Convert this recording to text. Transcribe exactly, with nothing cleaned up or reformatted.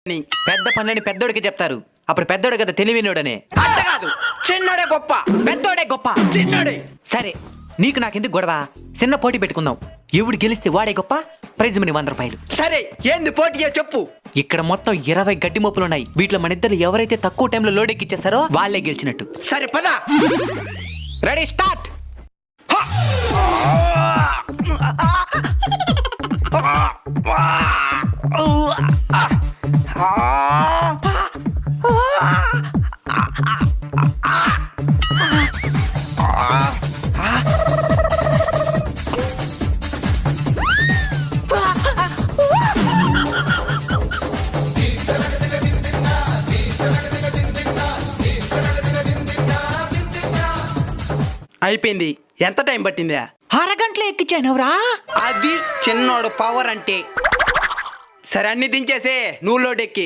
పెద్ద పనులని పెద్దోడికి చెప్తారు. అప్పుడు పెద్దోడు కదా తెలివినోడనే. అంత కాదు, చిన్నోడే గొప్ప. పెద్దోడే గొప్ప. చిన్నోడే సరే, నీకు నాకెందుకు గొడవ? చిన్న పోటీ పెట్టుకుందాం. ఎవడు గెలిస్తే వాడే గొప్ప. ప్రైజ్ మనీ వంద రూపాయలు. సరే, ఏంది పోటీయో చెప్పు. ఇక్కడ మొత్తం ఇరవై గడ్డి మోపులు ఉన్నాయి. వీటిలో మన ఇద్దరు ఎవరైతే తక్కువ టైంలో లోడ్ ఎక్కిచ్చేస్తారో వాళ్ళే గెలిచినట్టు. సరే పద. Ready, start. అయిపోయింది. ఎంత టైం పట్టిందా? అరగంటలో ఎక్కించానవరా. అది చిన్నోడు పవర్ అంటే. సరే, అన్ని దించేసే, నువ్వు లోడ్ ఎక్కి.